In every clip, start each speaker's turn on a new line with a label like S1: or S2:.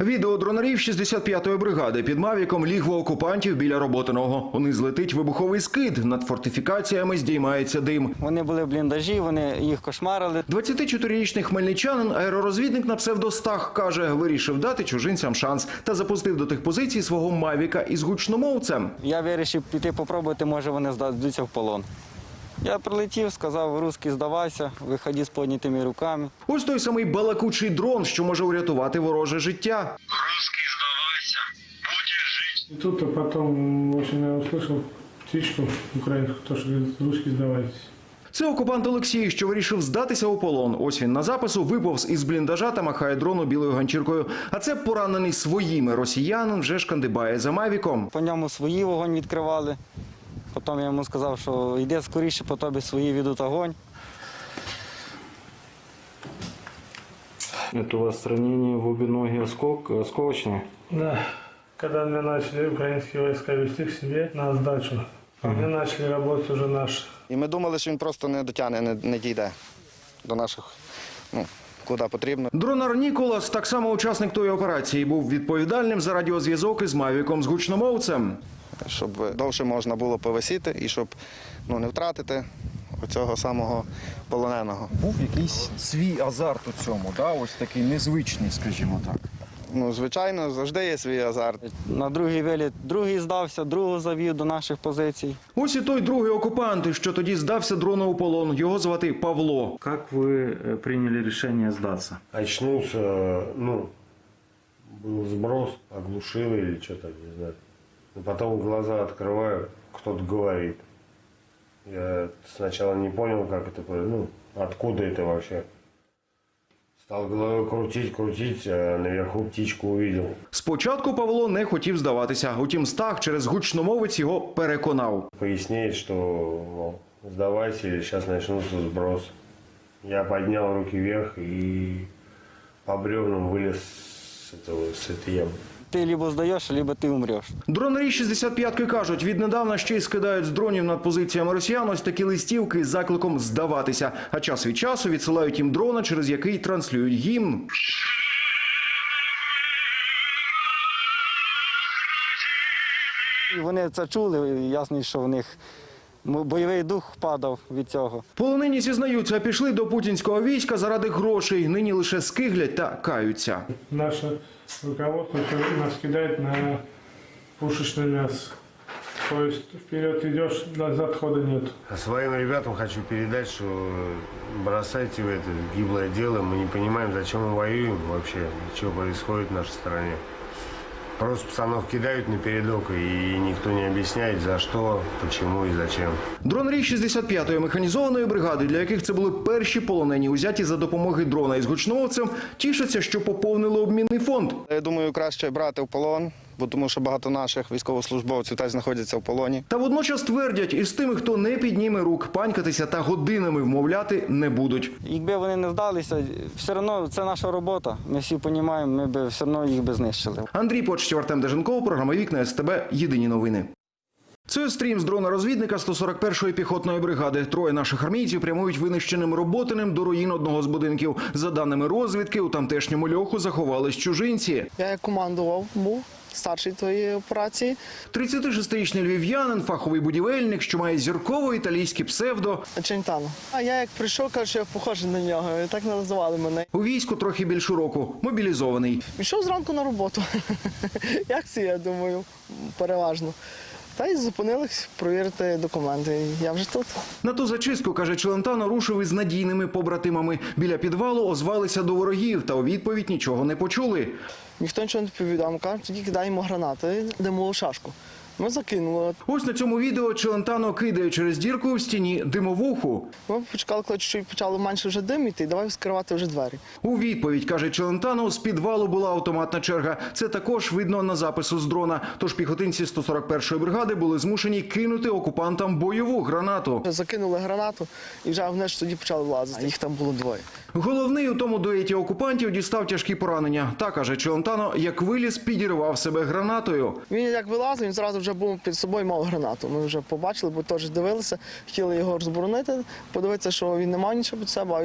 S1: Відео дронарів 65-ї бригади під Мавіком лігво окупантів біля Роботиного. Униз летить вибуховий скид, над фортифікаціями здіймається дим.
S2: Вони були в бліндажі, вони їх кошмарили.
S1: 24-річний хмельничанин, аеророзвідник на псевдо Стах, каже, вирішив дати чужинцям шанс та запустив до тих позицій свого Мавіка із гучномовцем.
S2: Я вирішив піти попробувати, може вони здадуться в полон. Я прилетів, сказав, русський, здавайся, виходи з піднятими руками.
S1: Ось той самий балакучий дрон, що може урятувати вороже життя.
S3: Русский, сдавайся, будешь жить.
S4: И тут, а потом, в общем, я услышал птичку украинскую, то, что говорит, русский, сдавайтесь.
S1: Це окупант Олексій, що вирішив здатися у полон. Ось він на запису виповз із бліндажа та махає дрону білою ганчіркою. А це поранений своїми росіянин вже шкандибає за Мавіком.
S2: По ньому свої вогонь відкривали. Потім я йому сказав, що йди скоріше, по тобі свої ведуть огонь.
S5: Это у вас ранение в обе ноги осколочные?
S4: Да. Когда меня начали украинские войска вести к себе на сдачу, они начали работать уже наши.
S6: І ми думали, що він просто не дотягне, не дійде до наших, куди потрібно.
S1: Дронар Ніколас, так само учасник тої операції, був відповідальним за радіозв'язок із Мавіком з гучномовцем.
S6: Щоб довше можна було повисіти і щоб не втратити оцього самого полоненого.
S7: Був якийсь свій азарт у цьому, да? Ось такий незвичний, скажімо так.
S6: Звичайно, завжди є свій азарт.
S2: На другий виліт другий здався, другого завів до наших позицій.
S1: Ось і той другий окупант, що тоді здався дрону у полон. Його звати Павло.
S5: Как вы приняли решение сдаться?
S8: Очнулся, был сброс, оглушило или что-то, не знаю. Потом глаза открываю, кто-то говорит. Я сначала не понял, как это, откуда это вообще. Стал головой крутить, а наверху птичку увидел.
S1: Спочатку Павло не хотів здаватися, утім Стах через гучномовець його переконав.
S8: Поясняет, что, мол, сдавайся, или сейчас начнутся сброс. Я поднял руки вверх и по бревнам вылез с этой ямы.
S2: Ти либо здаєш, либо ти умреш.
S1: Дронарі 65-ки кажуть, віднедавна ще й скидають з дронів над позиціями росіян ось такі листівки з закликом здаватися. А час від часу відсилають їм дрона, через який транслюють гімн.
S2: І вони це чули, і ясно, що в них бойовий дух падав від цього.
S1: Полонені зізнаються, пішли до путінського війська заради грошей. Нині лише скиглять та каються.
S4: Наше руководство нас кидает на пушечное мясо. То есть вперед идешь, назад хода нет.
S8: Своим ребятам хочу передать, что бросайте в это гиблое дело. Мы не понимаем, зачем мы воюем вообще, что происходит в нашей стране. Просто пацанов кидают напередок, и никто не объясняет, за что, почему и зачем.
S1: Дронарі 65-ї механізованої бригади, для яких це були перші полонені, узяті за допомоги дрона із гучномовцем, тішаться, що поповнили обмінний фонд.
S6: Я думаю, краще брати в полон, бо тому що багато наших військовослужбовців теж знаходяться в полоні.
S1: Та водночас твердять, із тими, хто не підніме рук, панькатися та годинами вмовляти не будуть.
S2: Якби вони не здалися, все одно це наша робота. Ми всі розуміємо, ми б все одно їх би знищили.
S1: Андрій Почтів, Артем Деженков, програма «Вікна СТБ», єдині новини. Це стрім з дрона-розвідника 141-ї піхотної бригади. Троє наших армійців прямують винищеним Роботиним до руїн одного з будинків. За даними розвідки, у тамтешньому льоху заховались чужинці.
S9: Я як командував, був старший тої операції.
S1: 36-річний львів'янин, фаховий будівельник, що має зірково-італійське псевдо.
S9: Чентано. А я як прийшов, кажу, що я похожий на нього. І так називали мене.
S1: У війську трохи більше року, мобілізований.
S9: Пішов зранку на роботу. Як це, я думаю, переважно. Та й зупинились провірити документи. Я вже тут.
S1: На ту зачистку, каже Челентано, рушив із надійними побратимами. Біля підвалу озвалися до ворогів, та у відповідь нічого не почули.
S9: Ніхто нічого не відповідав. Кажуть, тоді кидаємо гранати, димову шашку. Ми закинули.
S1: Ось на цьому відео Челентано кидає через дірку в стіні димовуху.
S9: Ми почекали, коли чуть почало менше вже диміти, і давай вскривати вже двері.
S1: У відповідь, каже Челентано, з підвалу була автоматна черга. Це також видно на запису з дрона. Тож піхотинці 141-ї бригади були змушені кинути окупантам бойову гранату.
S9: Закинули гранату і вже вниз тоді почали влазити. А їх там було двоє.
S1: Головний у тому дуеті окупантів дістав тяжкі поранення. Та, каже Челентано, як виліз, підірвав себе гранатою.
S9: Він як вилазив, він зразу вже був під собою, мав гранату. Ми вже побачили, бо теж дивилися, хотіли його розборонити, подивитися, що він не мав нічого під себе, а він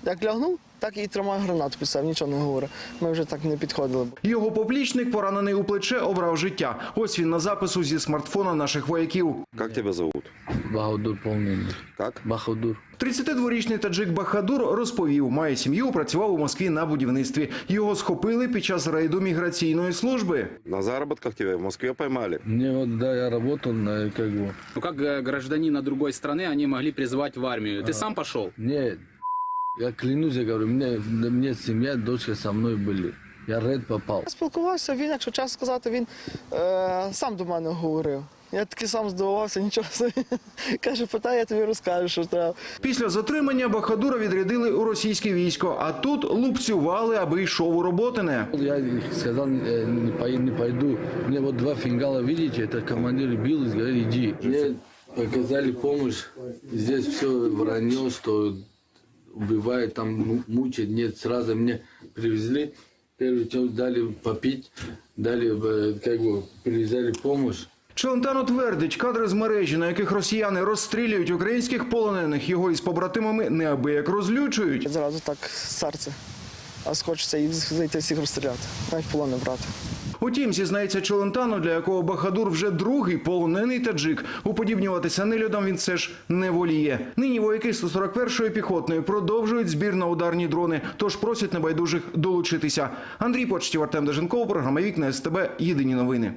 S9: Як лягнув, так і тримаю гранату під себе, нічого не говорю. Ми вже так не підходили.
S1: Його поплічник, поранений у плече, обрав життя. Ось він на запису зі смартфона наших вояків.
S10: Как тебя зовут?
S11: Бахадур полный.
S10: Как?
S11: Бахадур.
S1: 32-річний таджик Бахадур розповів, має сім'ю, працював у Москві на будівництві. Його схопили під час рейду міграційної служби.
S10: На заработках тебя в Москве поймали?
S11: Мне вот, да, я работал на, как бы...
S12: Ну, как гражданина другой страны, они могли призвать в армию. Ты сам пошел?
S11: Нет, я клянусь, я говорю, мне семья, дочка со мной были. Я рейд попал.
S9: Я спілкувався, він, якщо чесно сказати, він сам до мене говорив. Я таки сам здивувався, нічого собі. Каже, питай, я тобі розкажу, що треба.
S1: Після затримання Бахадура відрядили у російське військо, а тут лупцювали, аби йшов у Роботине.
S11: Я сказал, не пойду. Мне вот 2 фингала, видите, это командир бил, говорит, иди. Мне показали помощь, здесь все вранье, что убивает, там мучает. Нет, сразу мне привезли, первый час дали попить, дали, как бы, привезли помощь.
S1: Челентано твердить, кадри з мережі, на яких росіяни розстрілюють українських полонених, його із побратимами неабияк розлючують.
S9: Зразу так серце. А хочеться їх зайти всіх розстріляти, навіть в полон не брати.
S1: Утім, зізнається Челентано, для якого Бахадур вже другий полонений таджик, уподібнюватися нелюдам він все ж не воліє. Нині вояки 141-ї піхотної продовжують збір на ударні дрони, тож просять небайдужих долучитися. Андрій Почтів, Артем Деженков, програма «Вікна СТБ», єдині новини.